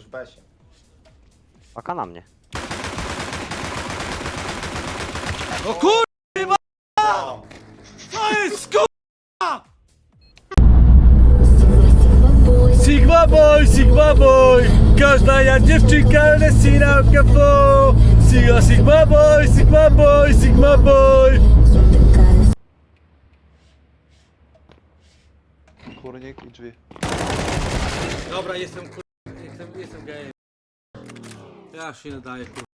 besie. Paka na mnie. O kurwa! No. To jest kurwa! Sigma boy! Każda jak dziewczynka resina kafo! Sigma boy, Sigma boy, Sigma boy! Kurnik i drzwi. Dobra, jestem kurwa, jestem gejem. Ja się nie daję kurwa.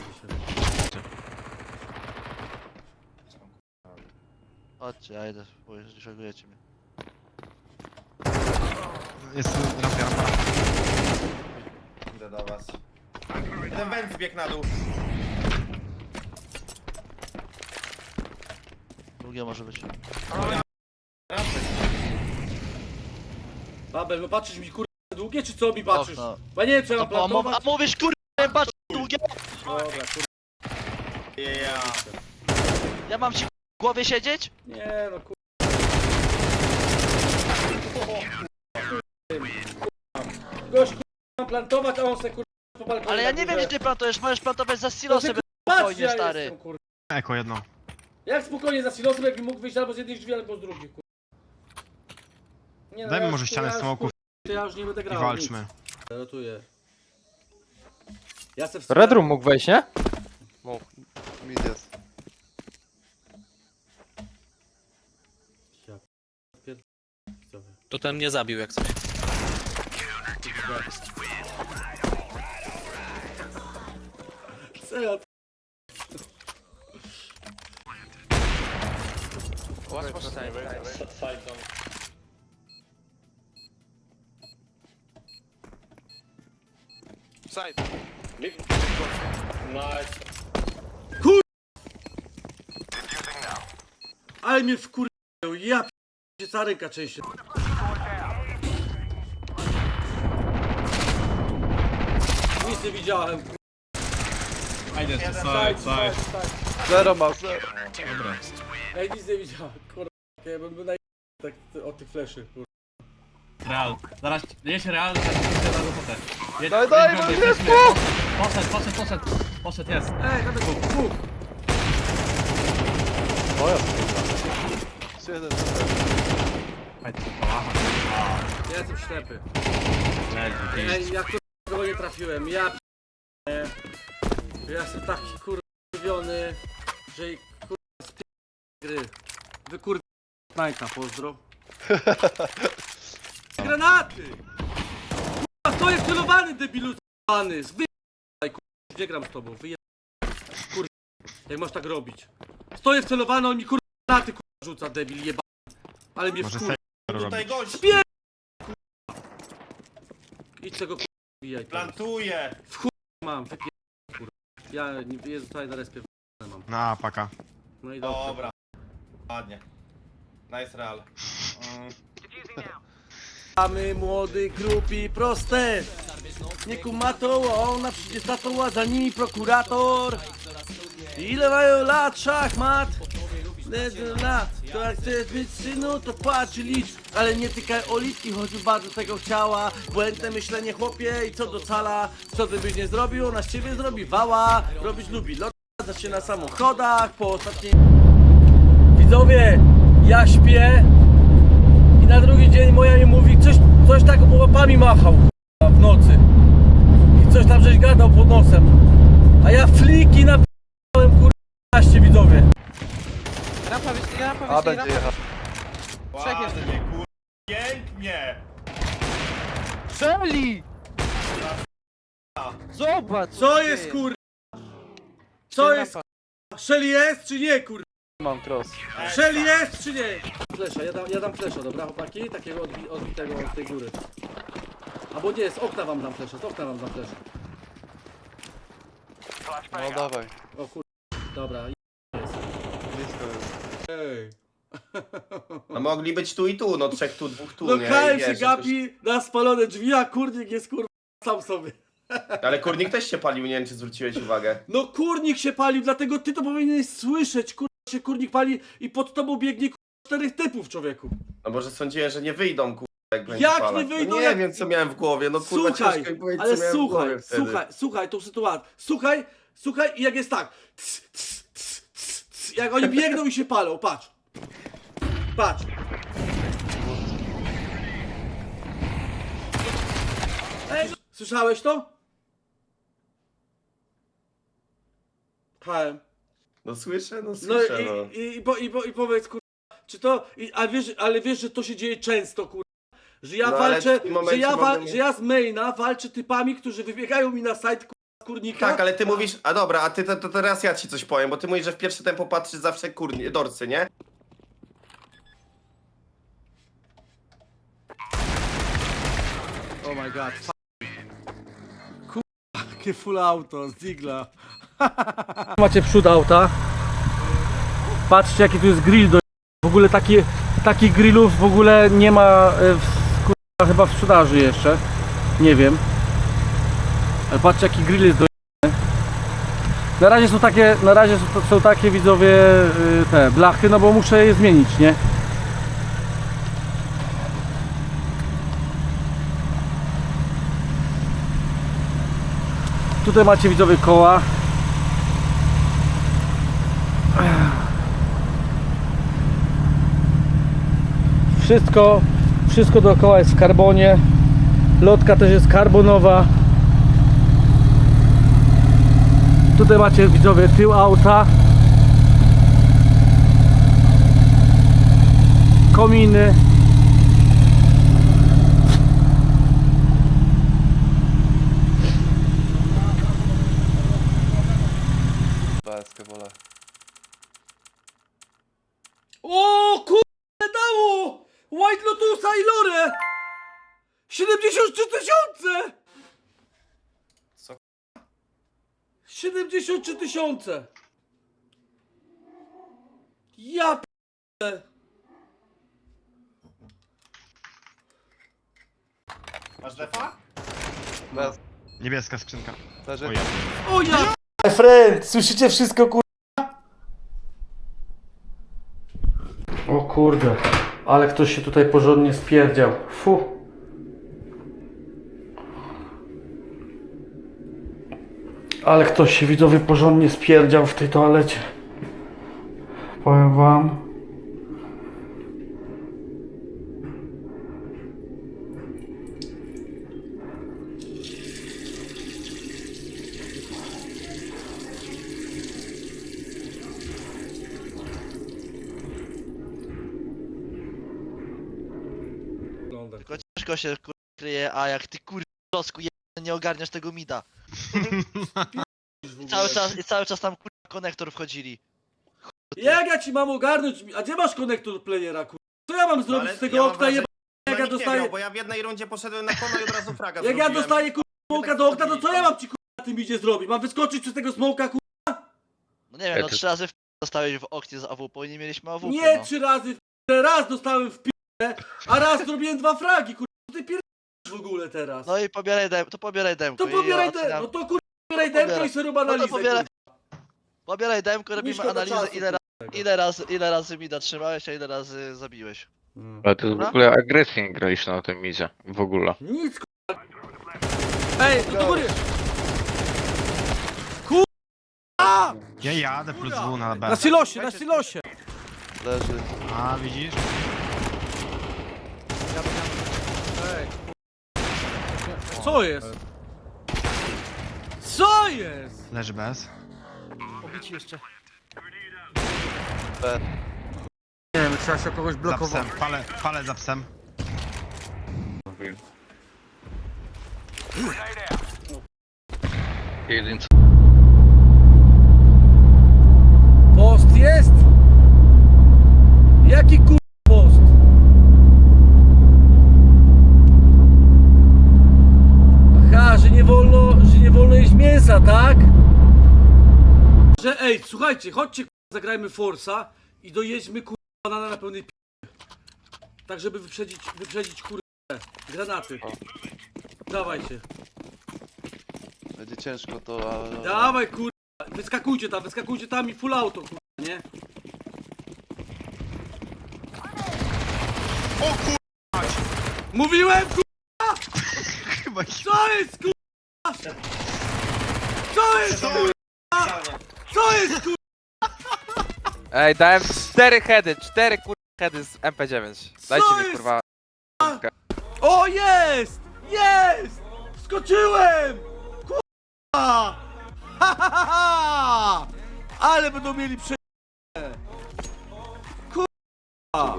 Chodźcie, ja idę, bo już szagujecie mnie. Jest rampa. Idę do was. Jeden węd zbiegł na dół. Drugie może być. Rampy. Babel, no patrzysz mi kurwa długie, czy co mi patrzysz? Okno. Bo ja nie wiem, czy ja mam A plantować. mówisz kurwa, patrz długie! Dobra, kurwa. Yeah. Ja mam ci w głowie siedzieć? Nie no kurwa. Gość kurwa mam plantować, a on se kurwa po balkonie. Ale ja na nie wiem górze. gdzie ty plantujesz, możesz plantować za To silo ty, sobie patrz, spokojnie, ja stary. jestem, kurwa. Eko jedno. Jak spokojnie za silosem, jakbym mógł wyjść albo z jednej drzwi, albo z drugiej, kurwa. Nie, Dajmy ja może już, ścianę ja już, smoków kurwa, ja już nie będę i grał. walczmy. Nic. Rotuję. Ja se w Red Room mógł wejść, nie? Mid jest. To ten mnie zabił jak coś. Co ja Ale mnie wkurwiają, ja p***cie, cała ręka częściej. Nic nie widziałem, kurwa. Fajnie, Zero ma, zero. Ej, nic nie widziałem, kurwa. Ja bym był tak od tych fleszy, kurwa. Real. Zaraz jedzie Real, zaraz jedzie na robotę. Daj, bo jest Poszedł, jest. Ej, tam jest dwóch. Jeden. Fajnie, połacha. Ja jestem ślepy. Leży, Ej, ja kurwa nie trafiłem, ja p***nie. Ja jestem taki kurwa zdziwiony, że kurwa z gry. Wy kurwa Knajta, pozdro. Granaty! Kurwa, stoję celowany, debilu z***any. Wyjebaj, kurwa, gdzie gram z tobą? Wyjebaj. Kurwa, jak masz tak robić? Stoję wcelowany, on mi kurwa granaty kurwa rzuca, debil jeba. Ale mnie Może wkurwa. Tutaj gość Idź tego kurwa bijaj teraz. plantuje. Mam, wypier... kurwa. Ja nie jest tutaj na respie mam. Na paka. No i dobrze. Dobra. Ładnie. Nice Real. Mamy młody, grupi, proste. Nie kuma to, a ona przecież tatuła, za nimi prokurator. Ile mają lat, szachmat? Lat. To jak chcesz być synu, to patrz i licz. Ale nie tykaj oliwki, choć bardzo tego chciała. Błędne myślenie chłopie i co do cala. Co ty byś nie zrobił, ona z ciebie zrobi wała. Robić lubi lot, się na samochodach. Po ostatniej... Widzowie, ja śpię. I na drugi dzień moja mi mówi, coś tak łapami machał k***a, w nocy. I coś tam żeś gadał pod nosem. A ja fliki napisałem kurwa widzowie. A będzie jechał. Ładnie, kur... Pięknie. Strzeli! Zobacz! Co jest kurwa? Co jest kurwa? Shelly jest czy nie kurwa? Mam cross. Shelly jest czy nie? Flesza, ja dam flesza, dobra chłopaki? Takiego odbitego od tej góry. Albo nie, z okna wam dam flesza, z okna wam dam flesza. No dawaj. O kurwa, dobra. Blisko jest. Ej. No mogli być tu i tu, no trzech tu, dwóch tu, No nie? KM I się wiesz, gapi na spalone drzwi, a kurnik jest kurwa sam sobie. Ale kurnik też się palił, nie wiem czy zwróciłeś uwagę. No kurnik się palił, dlatego ty to powinieneś słyszeć, kurwa się kurnik pali i pod tobą biegnie kurwa 4 typów, człowieku. No może sądziłem, że nie wyjdą, kur... jak będzie Jak palać. nie wyjdą, No nie jak- wiem co miałem w głowie, no kurwa Słuchaj, ciężko mi powiedzieć ale co miałem w słuchaj, głowie wtedy. słuchaj tą sytuację. Słuchaj i jak jest tak. Jak oni biegną i się palą, patrz. Patrz. Ej, słyszałeś to? Hałem. No słyszę, no No słyszę, no. i powiedz kurwa, czy to, ale wiesz, że to się dzieje często kurwa, że ja No, ale walczę, w tym momencie mogę że ja z maina walczę typami, którzy wybiegają mi na side kurwa, z kurnika. Tak, ale ty mówisz, a dobra, a ty to teraz ja ci coś powiem, bo ty mówisz, że w pierwsze tempo patrzysz zawsze dorcy, nie? Oh my god. Kurwa, jakie full auto z Digla. Macie przód auta. Patrzcie jaki tu jest grill do... W ogóle takich grillów w ogóle nie ma kurwa, chyba w sprzedaży jeszcze. Nie wiem. Ale patrzcie jaki grill jest do... Na razie są takie widzowie te blachy, no bo muszę je zmienić, nie? Tutaj macie widzowie koła. Wszystko dookoła jest w karbonie. Lotka też jest karbonowa. Tutaj macie widzowie tył auta. Kominy. BSK wolę. O kurde dało! White Lotusa i Lore! 73 000! Co? 73 000! Ja p***e. Masz defa? Niebieska skrzynka. Leży. Oj, O ja p***e. Friend, słyszycie wszystko kur... O kurde, ale ktoś się tutaj porządnie spierdział. Fu. Ale ktoś się widzowie porządnie spierdział w tej toalecie. Powiem wam. Tylko ciężko się kryje, a jak ty losku nie ogarniasz tego mida. I cały czas tam konektor wchodzili. Jak ja ci mam ogarnąć? A gdzie masz konektor playera kur... Co ja mam zrobić ale z tego ja mam okna wrażenie, jeba... Jak ja nikt nie dostaję... grał, bo ja w jednej rundzie poszedłem na kono i od razu fraga Jak ja zrobiłem. dostaję smoka do okna, to co ja mam ci na tym idzie zrobić? Mam wyskoczyć przez tego smoka kur... No nie wiem, no 3 razy dostałeś w oknie z AWP i nie mieliśmy AWP, Nie no. 3 razy raz dostałem w p***e, a raz zrobiłem 2 fragi kur... Co ty pierdolisz w ogóle teraz? No i pobieraj demko. To pobieraj demko, no to kur... pobieraj demko i sobie rób analizę pobieraj. kur... Pobieraj demko, robimy Szkoda analizę czasu, ile razy mida trzymałeś, a ile razy zabiłeś. Ale ty w Dobra? ogóle agresję nie graliście na tym midzie. W ogóle. Nic kur... Ej, do góry! ja jadę plus W na B. Na silosie, na silosie! Leży. A, widzisz? Ej. Co jest? Co jest? Leży bez. Obici jeszcze. B. Nie wiem, trzeba się kogoś Za blokować. psem. Palę za psem. Jeden Post jest? Jaki kur... post? Aha, że nie wolno jeść mięsa, tak? Że ej, słuchajcie, chodźcie zagrajmy Forsa i dojedźmy banana na pełnej p***. Tak, żeby wyprzedzić granaty. Dawajcie. Będzie ciężko to, ale... Dawaj wyskakujcie tam i full auto nie? Mówiłem, kurwa! Co jest, kurwa? Co jest, kurwa? Co jest, kurwa? Ej, dałem 4 heady, 4 heady z MP9. Dajcie Co mi jest? kurwa. O, jest! Jest! Skoczyłem! Kurwa! Ha, ha, ha, ha! Ale będą mieli prze... Kurwa!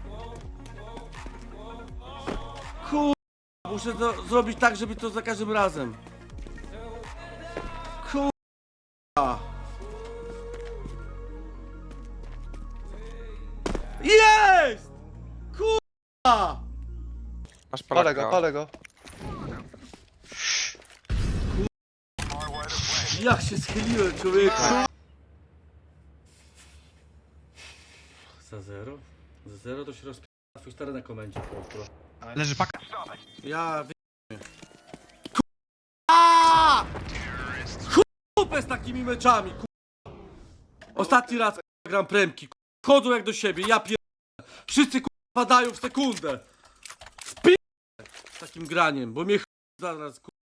Kurwa! Muszę to zrobić tak, żeby to za każdym razem. Kurwa! Jest! Kurwa! Masz Polaka. palę go. Jak się schyliłem, człowieku! Za 0? Za 0 to się rozpi... twój stary na komendzie, pozdro. Leży paka. Ja wy... K***a! Kupę z takimi meczami, k***a! Ostatni raz k***a, gram premki, k***a. Chodzą jak do siebie, ja pier... Wszyscy k***a padają w sekundę! Z takim graniem, bo mnie ch... zaraz k***a